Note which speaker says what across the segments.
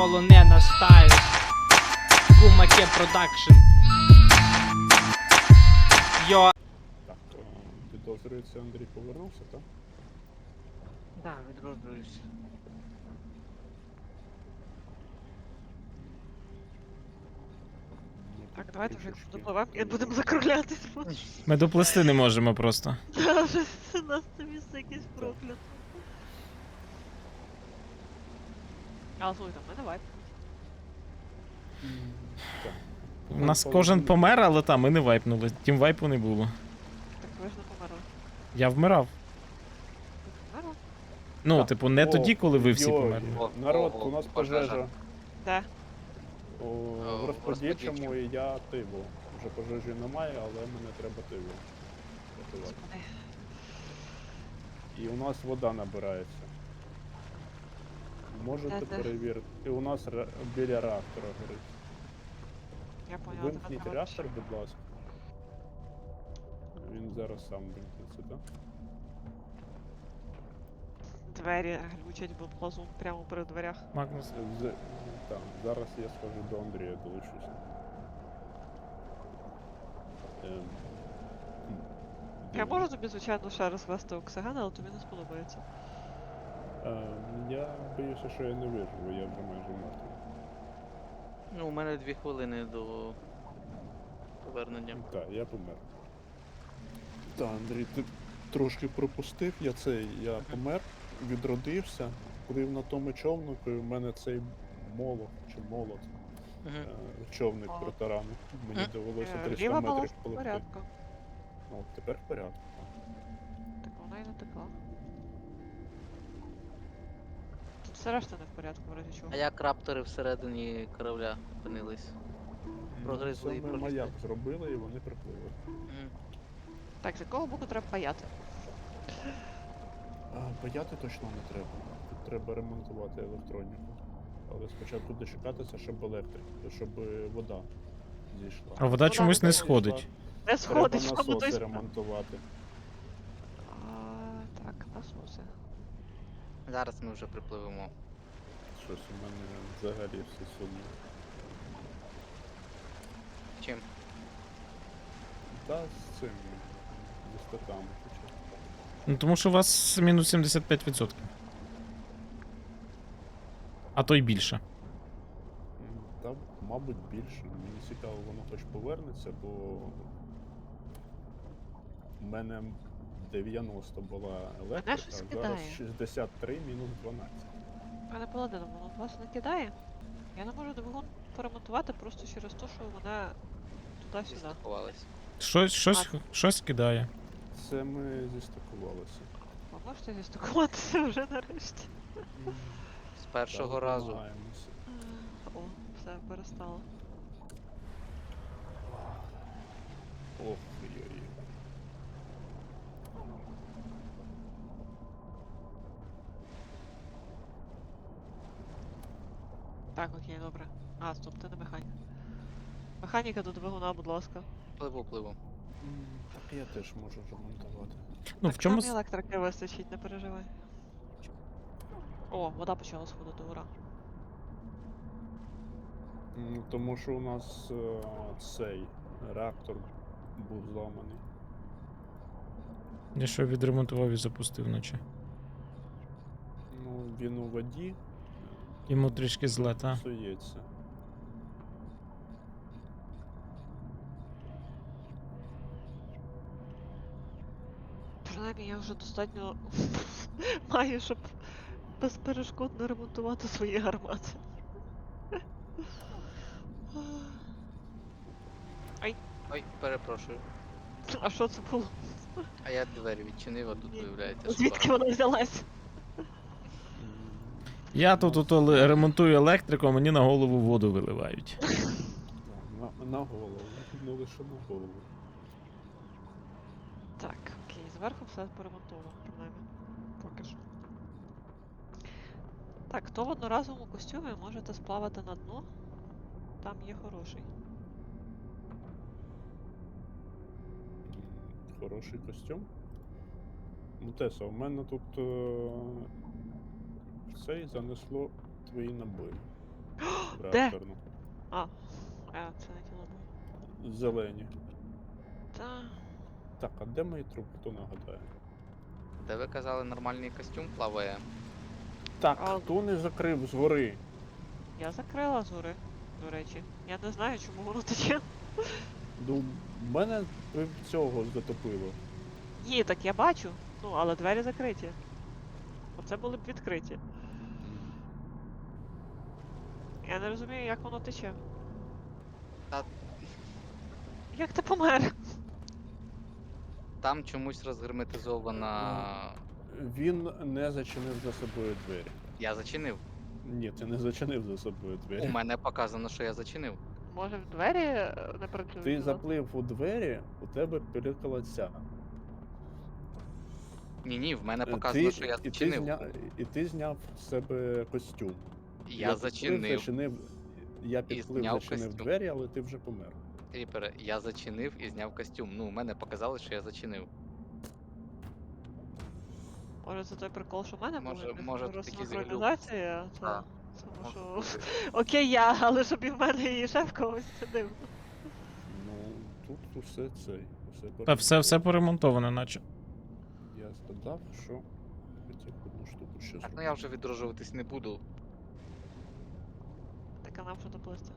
Speaker 1: полонена стайл. Кумаке продакшн. Йо.
Speaker 2: Так, підозрюється, Андрій повернувся, так?
Speaker 3: Да, відроджуюсь.
Speaker 4: Так, давайте вже
Speaker 2: Трішечки
Speaker 4: допливемо і будемо
Speaker 2: поїдемо.
Speaker 4: закруглятись.
Speaker 5: Ми доплисти не можемо просто.
Speaker 4: Та вже у нас це місце якесь прокляте. Але слухайте, в мене вайп.
Speaker 2: Так.
Speaker 5: У нас кожен помер, але там ми не вайпнули. Тім вайпу не було.
Speaker 4: Так ви ж не померли.
Speaker 5: Я вмирав.
Speaker 4: Ви померли?
Speaker 5: Ну,
Speaker 2: Так.
Speaker 5: типу, не
Speaker 2: О,
Speaker 5: тоді, коли ви всі
Speaker 2: йой.
Speaker 5: померли.
Speaker 2: Народ, у нас пожежа.
Speaker 4: Де?
Speaker 2: В розподільчому і я тиву. Вже пожежі немає, але мене треба тиву. рятувати.
Speaker 4: Господи.
Speaker 2: І у нас вода набирається. Можете
Speaker 4: Де-де?
Speaker 2: перевірити. І у нас біля реактора горить.
Speaker 4: Я поняла,
Speaker 2: Вимкніть
Speaker 4: тебе
Speaker 2: реактор, будь ласка. Він зараз сам вимкнеться, так?
Speaker 4: Двері глючать, бо плазун прямо перед дверях.
Speaker 5: Магнус.
Speaker 2: Так, зараз я схожу до Андрія, долучуся.
Speaker 4: Я можу тобі, звичайно, ще раз вести оксиген, але тобі не сподобається.
Speaker 2: Я боюся, що я не виживу, я вже майже мертвий.
Speaker 3: Ну, у мене 2 хвилини до повернення.
Speaker 2: Так, я помер. Так, Андрій, ти трошки пропустив, я помер, відродився, плив на тому човнику, і в мене цей молот, чи молот, човник
Speaker 4: Молот.
Speaker 2: протаранив. Мені довелося 300
Speaker 4: Ліва була
Speaker 2: метрів
Speaker 4: в
Speaker 2: пливти.
Speaker 4: порядку.
Speaker 2: О, тепер в порядку.
Speaker 4: Так вона і не текла. Тут все решта не в порядку, в разі чого.
Speaker 3: А як раптори всередині корабля опинились? Прогризли і
Speaker 2: Саме
Speaker 3: пролізли.
Speaker 2: маяк зробили і вони припливли.
Speaker 3: Мгм.
Speaker 4: Так, з якого боку треба паяти?
Speaker 2: Паяти точно не треба. Тут треба ремонтувати електроніку. Але спочатку дочекатися, щоб щоб вода зійшла.
Speaker 5: А вода чомусь не сходить.
Speaker 4: Не сходить,
Speaker 2: Треба
Speaker 4: що ми
Speaker 2: насоси
Speaker 4: той...
Speaker 2: ремонтувати.
Speaker 4: Так, насоси.
Speaker 3: Зараз ми вже припливемо.
Speaker 2: Щось у мене взагалі все сумно.
Speaker 3: Чим?
Speaker 2: Та з цим, зі статами хоча.
Speaker 5: Ну тому що у вас мінус 75%. А то й більше.
Speaker 2: Та, мабуть, більше. Мені цікаво, воно хоч повернеться, бо в мене 90 була електрика,
Speaker 4: щось
Speaker 2: зараз
Speaker 4: кидає.
Speaker 2: 63 мінус 12.
Speaker 4: Пане Паладино, воно вас не кидає? Я не можу двигун поремонтувати просто через те, що вона туди-сюди.
Speaker 3: Зістакувались.
Speaker 5: Щось кидає.
Speaker 2: Це ми зістикувалися.
Speaker 4: Ви можете зістикуватися вже нарешті?
Speaker 3: З першого
Speaker 2: Та,
Speaker 3: разу.
Speaker 2: намагаємося.
Speaker 4: О, все, перестало.
Speaker 2: Ох, ой-ой.
Speaker 4: Так, окей, добре. Стоп, ти не механік. Механіка до двигуна, будь ласка.
Speaker 3: Пливу.
Speaker 2: Так я теж можу ремонтувати.
Speaker 5: Ну в чому.
Speaker 4: Там і електрики вистачить, не переживай. О, вода почала сходити, ура.
Speaker 2: Тому що у нас цей реактор був зламаний.
Speaker 5: Я що відремонтував і запустив наче.
Speaker 2: Ну, він у воді
Speaker 5: Йому трішки зле, та?
Speaker 2: псується.
Speaker 4: Принаймні я вже достатньо маю, щоб безперешкодно ремонтувати свої гармати.
Speaker 3: Ой, перепрошую.
Speaker 4: А що це було?
Speaker 3: А я двері відчинив, а тут
Speaker 4: Ні.
Speaker 3: виявляється
Speaker 4: Звідки
Speaker 3: собака.
Speaker 4: вона взялась?
Speaker 5: Я тут ремонтую електрику, а мені на голову воду виливають.
Speaker 2: На голову, не лише на голову.
Speaker 4: Так, окей, зверху все поремонтовано, принаймні. Поки що. Так, хто в одноразовому костюмі можете сплавати на дно? Там є хороший.
Speaker 2: Хороший костюм. Мутеса, у мене тут цей занесло твої набої. реакторну.
Speaker 4: А, це не тіло було.
Speaker 2: Зелені.
Speaker 4: Та.
Speaker 2: Так, а де мої трупи, хто нагадає?
Speaker 3: Де ви казали, нормальний костюм плаває?
Speaker 2: Так,
Speaker 4: А-
Speaker 2: хто не закрив згори?
Speaker 4: Я закрила зори, до речі. Я не знаю, чому воно тече.
Speaker 2: Ну, мене цього затопило.
Speaker 4: Ні, так я бачу. Ну, але двері закриті. Оце були б відкриті. Я не розумію, як воно тече.
Speaker 3: Та-
Speaker 4: Як ти помер?
Speaker 3: Там чомусь розгерметизована.
Speaker 2: Він не зачинив за собою двері.
Speaker 3: Я зачинив.
Speaker 2: Ні, ти не зачинив за собою
Speaker 3: У
Speaker 2: двері.
Speaker 3: мене показано, що я зачинив.
Speaker 4: Може в двері не працюють?
Speaker 2: Ти
Speaker 4: ну?
Speaker 2: заплив у двері, у тебе пилікала ця.
Speaker 3: Ні, в мене показано, що я зачинив.
Speaker 2: І ти зняв з себе костюм.
Speaker 3: Я зачинив.
Speaker 2: Я підплив,
Speaker 3: зняв
Speaker 2: зачинив
Speaker 3: костюм.
Speaker 2: двері, але ти вже помер.
Speaker 3: Ріпере, я зачинив і зняв костюм. Ну, у мене показали, що я зачинив.
Speaker 4: Може це той прикол, що в мене
Speaker 3: Може-
Speaker 4: були
Speaker 3: може, тут якийсь глюк.
Speaker 4: розсинхронізація?
Speaker 3: Так.
Speaker 4: Тому
Speaker 3: Може
Speaker 4: що...
Speaker 3: бути.
Speaker 4: Окей, я, але щоб і в мене і шеф когось сидив.
Speaker 2: Ну, тут усе цей.
Speaker 5: Та все поремонтоване, наче.
Speaker 2: Я згадав, що хотів одну штуку ще
Speaker 3: Так, ну
Speaker 2: зробити.
Speaker 3: я вже відроджуватись не буду.
Speaker 4: Так а нам що доплисти?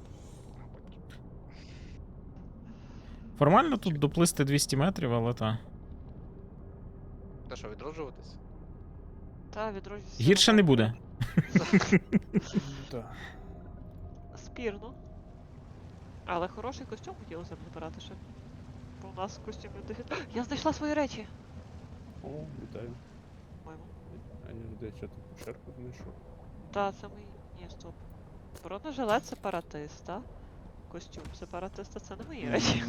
Speaker 5: Формально тут доплисти 200 метрів, але та.
Speaker 3: Та що, відроджуватись?
Speaker 4: Та, відроджуся.
Speaker 5: Гірше не буде.
Speaker 2: Так.
Speaker 4: Спірно. Але хороший костюм хотілося б забирати ще. Бо у нас костюмів дефіцит. Я знайшла свої речі!
Speaker 2: О, вітаю.
Speaker 4: По-моєму.
Speaker 2: А я здається, таку черку знайшов.
Speaker 4: Та, це мої. Ні, стоп. Бронежилет сепаратиста. Костюм сепаратиста це не мої речі.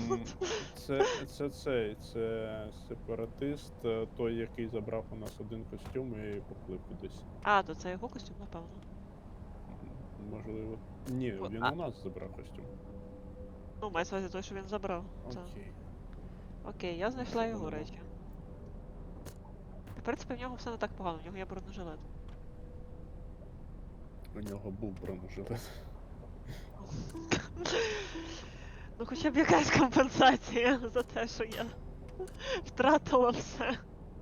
Speaker 2: Це сепаратист, той, який забрав у нас один костюм і поплив кудись.
Speaker 4: А, то це його костюм, напевно.
Speaker 2: Можливо. Ні,
Speaker 4: О,
Speaker 2: він
Speaker 4: а-
Speaker 2: у нас забрав костюм.
Speaker 4: Ну, мається на увазі той, що він забрав. Та.
Speaker 2: Окей.
Speaker 4: Окей, я знайшла
Speaker 2: Це
Speaker 4: його
Speaker 2: воно.
Speaker 4: речі. В принципі, в нього все не так погано, в нього є бронежилет.
Speaker 2: У нього був бронежилет.
Speaker 4: Ну хоча б якась компенсація за те, що я втратила все.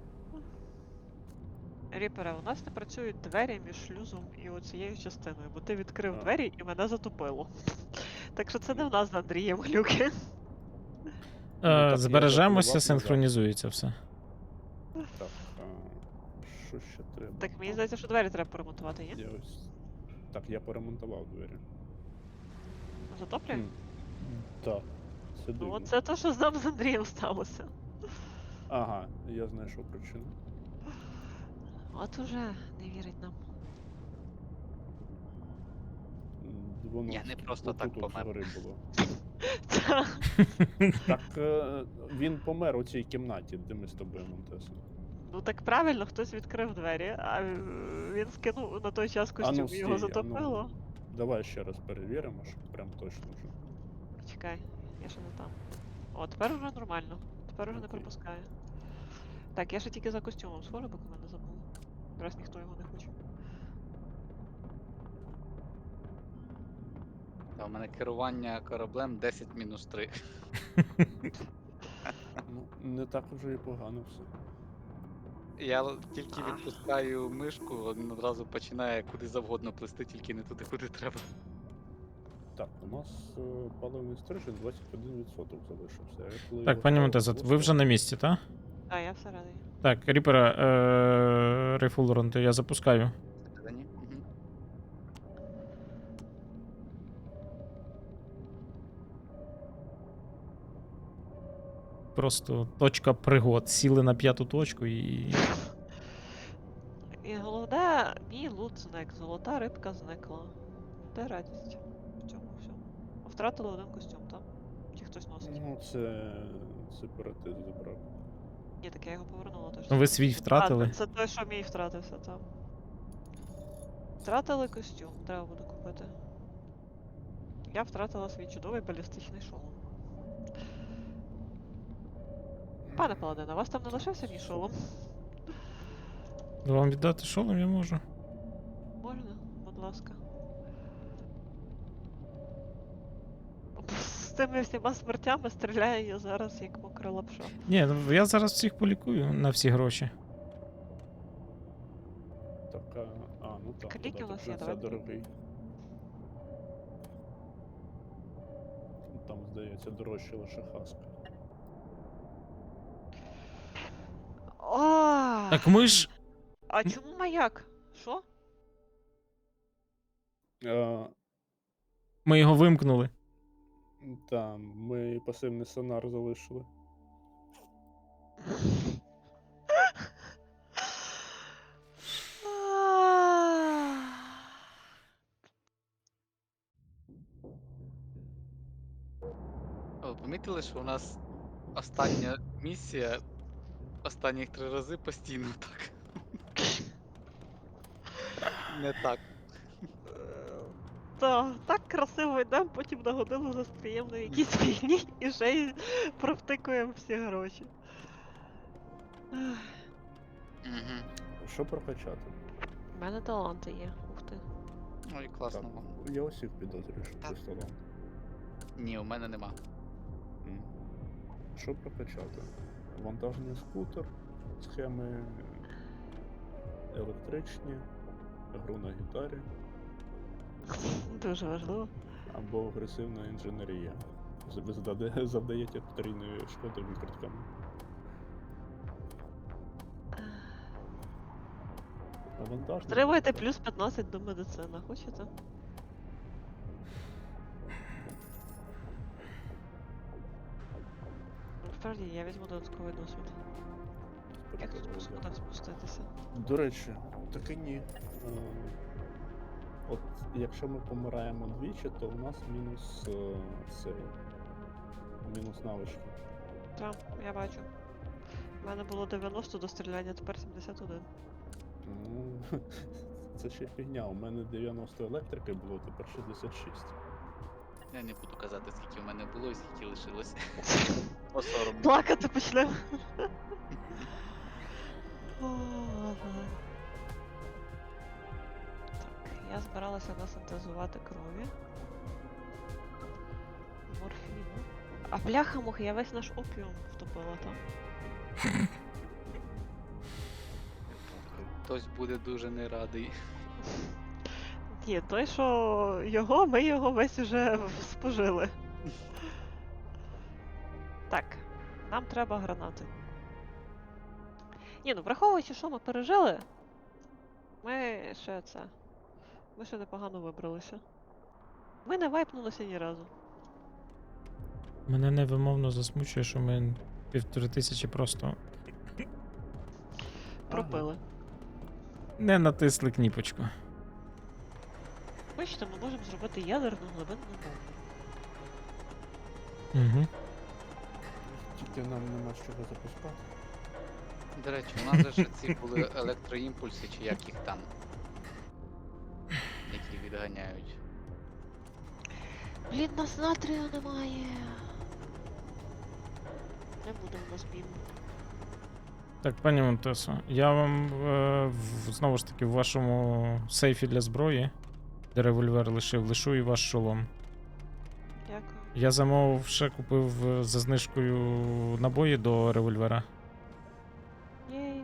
Speaker 4: Ріпере, у нас не працюють двері між шлюзом і оцією частиною, бо ти відкрив
Speaker 2: А.
Speaker 4: двері і мене затопило. Так що це не в нас з Андрієм глюки.
Speaker 2: так, я
Speaker 5: Збережемося,
Speaker 2: запливав
Speaker 5: синхронізується все.
Speaker 2: Так, що ще треба?
Speaker 4: Так мені здається, що двері треба поремонтувати, є?
Speaker 2: Я ось... Так, я поремонтував двері.
Speaker 4: Затоплює?
Speaker 2: Так, це
Speaker 4: Ну
Speaker 2: дивно.
Speaker 4: оце те, що з нами з Андрієм сталося.
Speaker 2: Ага, я знайшов причину.
Speaker 4: От уже не вірить нам.
Speaker 2: Воно
Speaker 3: Я не просто
Speaker 2: отут
Speaker 3: так
Speaker 2: от
Speaker 3: помер.
Speaker 2: згори було.
Speaker 4: Та.
Speaker 2: Так, він помер у цій кімнаті, де ми з тобою, Монтесо.
Speaker 4: Ну так правильно, хтось відкрив двері, а він скинув на той час костюм і його затопило.
Speaker 2: Давай ще раз перевіримо, щоб прям точно вже.
Speaker 4: Чекай, я ще не там. О, тепер вже нормально. Тепер вже не
Speaker 2: Окей.
Speaker 4: пропускає. Так, я ще тільки за костюмом схожу, поки мене забув. Раз ніхто його не хоче.
Speaker 3: Та у мене керування кораблем 10-3.
Speaker 2: Ну, не так вже і погано все.
Speaker 3: Я тільки відпускаю мишку, він одразу починає куди завгодно плисти, тільки не туди, куди треба.
Speaker 2: Так, у нас паливний стрижень 21% залишився. Я коли
Speaker 5: Так,
Speaker 2: його
Speaker 5: пані
Speaker 2: ставив,
Speaker 5: Монтеза,
Speaker 2: просто-
Speaker 5: ви вже на місці, так?
Speaker 4: А, я всередині.
Speaker 5: Так, Ріпера, Рейфулерон, то я запускаю.
Speaker 3: Всередині? Мгм.
Speaker 5: Просто точка пригод. Сіли на 5-ту точку і.
Speaker 4: І головне, мій лут зник, золота рибка зникла. Де радість в цьому всьому? Втратили один костюм, там? Чи хтось носить?
Speaker 2: Ну, це сепаратист забрав.
Speaker 4: Ні, так я його повернула точно.
Speaker 5: Ну, ви свій втратили.
Speaker 4: А, це той, що мій втратився там. Втратили костюм, треба буде купити. Я втратила свій чудовий балістичний шолом. Пане Паладине, у вас там не лишився мій шолом?
Speaker 5: Вам віддати шолом я можу.
Speaker 4: Можна, будь ласка. З тими всіма смертями стріляю я зараз як мокра лапша.
Speaker 5: Ні, ну, я зараз всіх полікую на всі гроші.
Speaker 2: Так, ну так,
Speaker 4: Ліки у нас є,
Speaker 2: це
Speaker 4: давай.
Speaker 2: дорогий. Там, здається, дорожче лише хаска.
Speaker 4: О!
Speaker 5: Так ми ж.
Speaker 4: А чому маяк? Що?
Speaker 5: Ми його вимкнули.
Speaker 2: Там, ми пасивний сонар залишили.
Speaker 3: Ви помітили, що у нас остання місія останніх 3 рази постійно так. Не так.
Speaker 4: Так красиво йдемо, потім на годину застріємо на якійсь війні і ще й провтикуємо всі гроші. Ех,
Speaker 3: Угу.
Speaker 2: Що прокачати?
Speaker 4: У мене таланти є, ух ти.
Speaker 3: Ой, класно
Speaker 2: Так,
Speaker 3: вам.
Speaker 2: я усіх підозрюю, що
Speaker 3: Так.
Speaker 2: це талант.
Speaker 3: Ні, у мене нема.
Speaker 2: М. Що прокачати? Вантажний скутер, схеми електричні, гру на гітарі
Speaker 4: Дуже важливо.
Speaker 2: або агресивна інженерія. Ви завдаєте потрійної шкоди викритками. А вантажний
Speaker 4: Отримуєте
Speaker 2: скутер?
Speaker 4: плюс 15 до медицини, хочете? Насправді я візьму додатковий досвід. Як тут по сходах спуститися?
Speaker 2: До речі, таки ні. От якщо ми помираємо двічі, то у нас мінус цей. Мінус навички.
Speaker 4: Так, я бачу. У мене було 90 до стріляння, тепер 71.
Speaker 2: Ну, це ще фігня. У мене 90 електрики було, тепер 66.
Speaker 3: Я не буду казати, скільки в мене було і скільки лишилося. По соромно.
Speaker 4: Плакати почнемо. О, ладно. Так, я збиралася насинтезувати крові. Морфіну. А бляха-муха, я весь наш опіум втопила там.
Speaker 3: Хтось буде дуже не радий.
Speaker 4: Ні, той, що його, ми його весь уже спожили. Так, нам треба гранати. Ні, ну враховуючи, що ми пережили, ми ще це. Ми ще непогано вибралися. Ми не вайпнулися ні разу.
Speaker 5: Мене невимовно засмучує, що ми 1500 просто
Speaker 4: Пропили.
Speaker 5: не натисли кніпочку.
Speaker 4: Бачите, ми можемо зробити ядерну глибинну бомбу.
Speaker 5: Угу.
Speaker 2: Тільки нам нема з чого запускати.
Speaker 3: До речі, у нас же ж ці були електроімпульси, чи як їх там. Які відганяють.
Speaker 4: Блін, нас натрію немає. Не буде в нас бім.
Speaker 5: Так, пані Монтесо, я вам знову ж таки в вашому сейфі для зброї, де револьвер лишу і ваш шолом.
Speaker 4: Дякую.
Speaker 5: Я замовив, ще купив за знижкою набої до револьвера.
Speaker 4: Єй.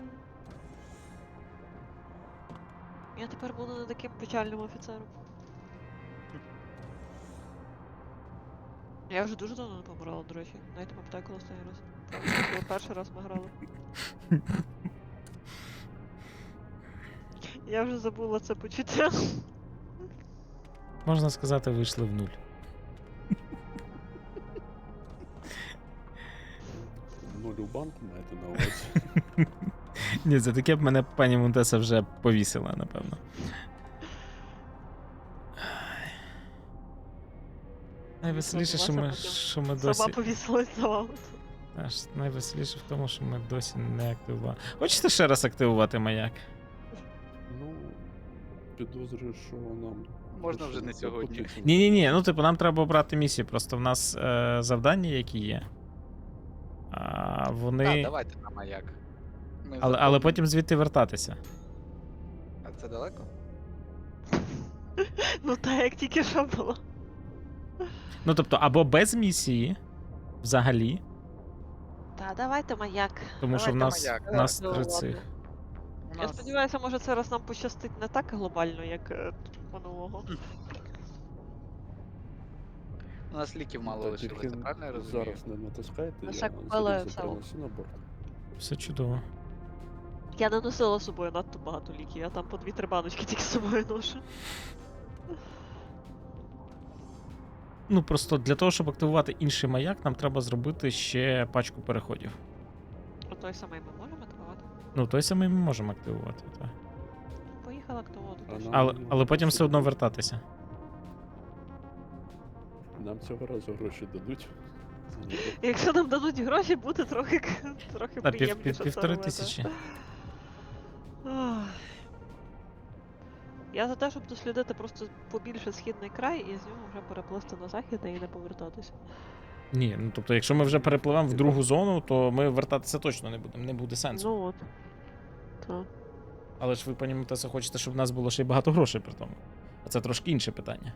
Speaker 4: Я тепер буду не таким печальним офіцером. Я вже дуже давно не помирала, до речі. Навіть не пам'ятаю, коли останній раз. Це був перший раз ми грали. Я вже забула це почуття.
Speaker 5: Можна сказати, вийшли в нуль.
Speaker 2: Нуль у банку маєте на увазі.
Speaker 5: Ні, за таке б мене пані Монтеса вже повісила, напевно. Найвеселіше, що ми досі.
Speaker 4: Сама повісилась за вами.
Speaker 5: Аж найвеселіше в тому, що ми досі не активували. Хочете ще раз активувати маяк?
Speaker 2: Ну, підозрюю, що нам.
Speaker 3: Можна вже не сьогодні.
Speaker 2: потрібно.
Speaker 5: Ні, ну типу, нам треба обрати місію. Просто в нас завдання, які є. А вони.
Speaker 3: Так, давайте на маяк. Ми
Speaker 5: Але
Speaker 3: заповнимо.
Speaker 5: потім звідти вертатися.
Speaker 3: А це далеко?
Speaker 4: Ну так, як тільки що було.
Speaker 5: Ну, тобто, або без місії взагалі,
Speaker 4: Та давайте маяк.
Speaker 5: тому що в
Speaker 3: Давайте
Speaker 5: нас,
Speaker 3: маяк,
Speaker 5: в нас
Speaker 4: да.
Speaker 5: 3
Speaker 4: Ну,
Speaker 5: цих.
Speaker 4: ладно.
Speaker 3: У
Speaker 4: Я
Speaker 3: нас
Speaker 4: сподіваюся, може це раз нам пощастить не так глобально, як минулого.
Speaker 3: у нас ліків мало
Speaker 2: Та
Speaker 3: лишилося,
Speaker 2: тільки
Speaker 3: правильно я розумію?
Speaker 2: зараз не натискайте,
Speaker 4: Лише
Speaker 2: я
Speaker 4: купили
Speaker 2: залізу
Speaker 4: село.
Speaker 2: принесу на борт.
Speaker 5: Все чудово.
Speaker 4: Я не носила з собою надто багато ліків, я там по 2-3 баночки тільки з собою ношу.
Speaker 5: Ну, просто для того, щоб активувати інший маяк, нам треба зробити ще пачку переходів.
Speaker 4: А той самий ми можемо активувати?
Speaker 5: Ну, той самий ми можемо активувати, так.
Speaker 4: Поїхала активувати.
Speaker 2: А
Speaker 4: точно.
Speaker 2: нам-
Speaker 5: Але потім все одно вертатися.
Speaker 2: Нам цього разу гроші дадуть. Ні,
Speaker 4: Якщо нам дадуть гроші, буде трохи
Speaker 5: Та,
Speaker 4: приємніше це
Speaker 5: 1500.
Speaker 4: робити. Ах. Я за те, щоб дослідити просто побільше східний край і з нього вже переплисти на захід і не повертатися.
Speaker 5: Ні, ну тобто, якщо ми вже перепливемо в другу зону, то ми вертатися точно не будемо, не буде сенсу.
Speaker 4: Ну от. Так.
Speaker 5: Але ж ви понімаєте, хочете, щоб в нас було ще й багато грошей при тому. А це трошки інше питання.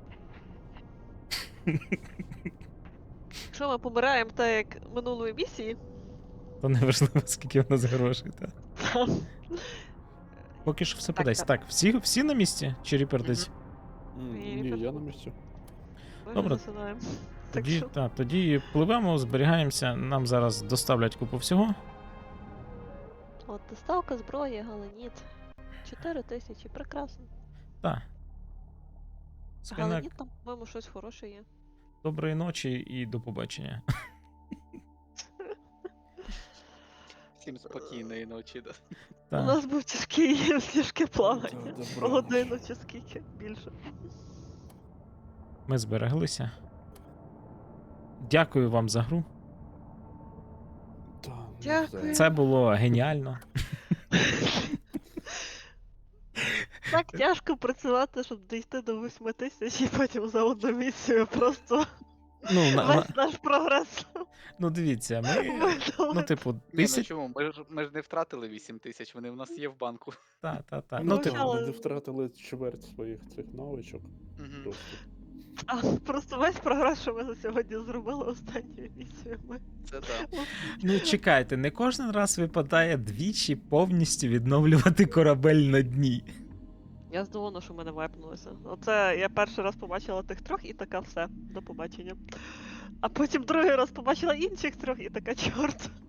Speaker 4: Якщо ми помираємо так, як минулої місії,
Speaker 5: То не важливо, скільки в нас грошей. Та.
Speaker 4: там
Speaker 5: Поки що все
Speaker 4: Так,
Speaker 5: подасть.
Speaker 4: так.
Speaker 5: Так, всі на місці? Чи Ріпер десь?
Speaker 2: Ні, я на місці.
Speaker 4: ми
Speaker 5: Добре.
Speaker 4: вже засинаємо. Так
Speaker 5: Тоді,
Speaker 4: що
Speaker 5: тоді пливемо, зберігаємося, нам зараз доставлять купу всього.
Speaker 4: от доставка зброї, галеніт. 4000, прекрасно.
Speaker 5: Так. Скайнак,
Speaker 4: Галеніт там, по-моєму, щось хороше є.
Speaker 5: доброї ночі і до побачення.
Speaker 3: Всім спокійної ночі. Да.
Speaker 4: У
Speaker 5: Так.
Speaker 4: нас був тяжке плавання.
Speaker 2: Добра
Speaker 4: Годину чи скільки більше.
Speaker 5: Ми збереглися. Дякую вам за гру.
Speaker 2: Та, ну,
Speaker 4: Дякую.
Speaker 2: все.
Speaker 5: Це було геніально.
Speaker 4: Так тяжко працювати, щоб дійти до 8000 і потім за одну місію просто
Speaker 5: Ну,
Speaker 4: весь наш прогрес.
Speaker 5: ну дивіться, ми. Ну,
Speaker 4: видали.
Speaker 5: типу,
Speaker 3: Ні, ну
Speaker 5: 1000.
Speaker 3: чому? Ми ж не втратили 8 тисяч, вони в нас є в банку.
Speaker 5: Та.
Speaker 2: Ну,
Speaker 5: Ну,
Speaker 4: Ну,
Speaker 5: типу,
Speaker 4: але-
Speaker 2: Ми не втратили чверть своїх цих навичок.
Speaker 3: Мгм.
Speaker 2: Просто.
Speaker 4: А, просто весь прогрес, що ми за сьогодні зробили останньою місією. Ми...
Speaker 3: Це да.
Speaker 5: ну чекайте, не кожен раз випадає двічі повністю відновлювати корабель на дні.
Speaker 4: Я здивована, що ми не вайпнулися. Оце я перший раз побачила тих трьох і така все. До побачення. А потім другий раз побачила інших трьох і така чорт.